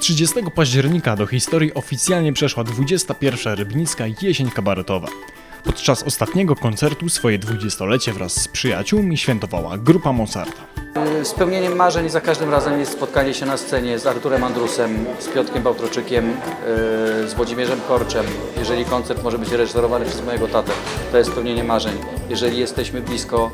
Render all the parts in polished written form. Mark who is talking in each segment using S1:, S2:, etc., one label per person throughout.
S1: 30 października do historii oficjalnie przeszła 21. Rybnicka Jesień Kabaretowa. Podczas ostatniego koncertu swoje 20-lecie wraz z przyjaciółmi świętowała grupa Mozarta.
S2: Spełnieniem marzeń za każdym razem jest spotkanie się na scenie z Arturem Andrusem, z Piotrkiem Bałtroczykiem, z Włodzimierzem Korczem. Jeżeli koncert może być reżyserowany przez mojego tatę, to jest spełnienie marzeń. Jeżeli jesteśmy blisko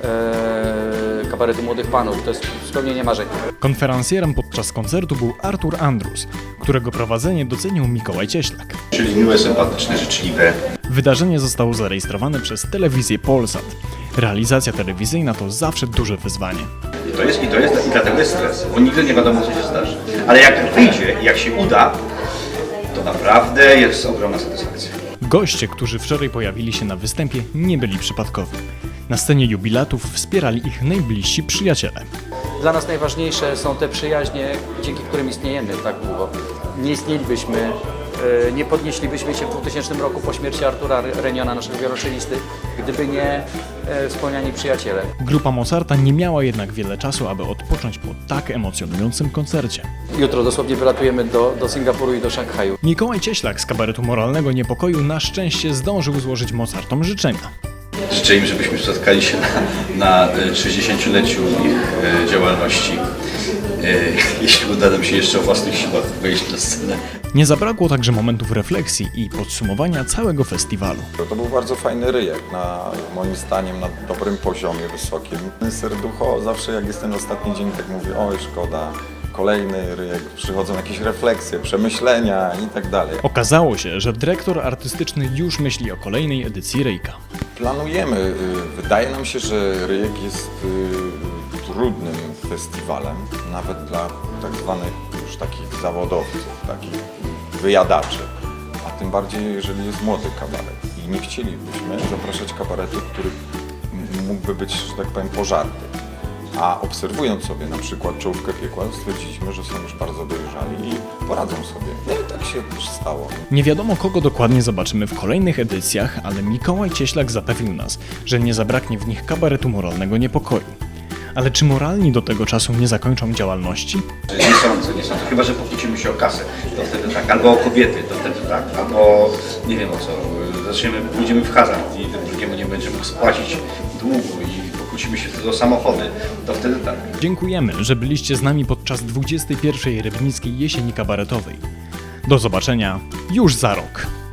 S2: kabaretu Młodych Panów, to jest spełnienie marzeń.
S1: Konferencjerem podczas koncertu był Artur Andrus, którego prowadzenie docenił Mikołaj Cieślak.
S3: Czyli miłe, sympatyczne, życzliwe.
S1: Wydarzenie zostało zarejestrowane przez telewizję Polsat. Realizacja telewizyjna to zawsze duże wyzwanie.
S3: I dlatego jest stres, bo nigdy nie wiadomo, co się zdarzy. Ale jak wyjdzie, jak się uda, to naprawdę jest ogromna satysfakcja.
S1: Goście, którzy wczoraj pojawili się na występie, nie byli przypadkowi. Na scenie jubilatów wspierali ich najbliżsi przyjaciele.
S2: Dla nas najważniejsze są te przyjaźnie, dzięki którym istniejemy tak długo. Nie istnielibyśmy, nie podnieślibyśmy się w 2000 roku po śmierci Artura Reniona, naszego wioloncelisty, gdyby nie wspomniani przyjaciele.
S1: Grupa Mozarta nie miała jednak wiele czasu, aby odpocząć po tak emocjonującym koncercie.
S2: Jutro dosłownie wylatujemy do Singapuru i do Szanghaju.
S1: Mikołaj Cieślak z kabaretu Moralnego Niepokoju na szczęście zdążył złożyć Mozartom życzenia.
S3: Życzę im, żebyśmy spotkali się na 60-leciu ich działalności. Jeśli uda nam się jeszcze o własnych siłach wejść na scenę.
S1: Nie zabrakło także momentów refleksji i podsumowania całego festiwalu.
S4: To był bardzo fajny ryjek, moim zdaniem na dobrym poziomie, wysokim. Serducho zawsze jak jest ten ostatni dzień, tak mówię, oj szkoda, kolejny ryjek, przychodzą jakieś refleksje, przemyślenia i tak dalej.
S1: Okazało się, że dyrektor artystyczny już myśli o kolejnej edycji Ryjka.
S4: Planujemy, wydaje nam się, że ryjek jest trudnym festiwalem, nawet dla tak zwanych już takich zawodowców, takich wyjadaczy. A tym bardziej, jeżeli jest młody kabaret. I nie chcielibyśmy zapraszać kabaretu, który mógłby być, że tak powiem, pożarty. A obserwując sobie na przykład Czołówkę Piekła, stwierdziliśmy, że są już bardzo dojrzali i poradzą sobie. No i tak się też stało.
S1: Nie wiadomo, kogo dokładnie zobaczymy w kolejnych edycjach, ale Mikołaj Cieślak zapewnił nas, że nie zabraknie w nich kabaretu Moralnego Niepokoju. Ale czy moralni do tego czasu nie zakończą działalności?
S3: Nie sądzę. Chyba że pokłócimy się o kasę, to wtedy tak. Albo o kobiety, to wtedy tak. Albo nie wiem o co. Pójdziemy w hazard i ten drugiemu nie będzie mógł spłacić długu i pokłócimy się wtedy o samochody, to wtedy tak.
S1: Dziękujemy, że byliście z nami podczas 21. Rybnickiej Jesieni Kabaretowej. Do zobaczenia już za rok.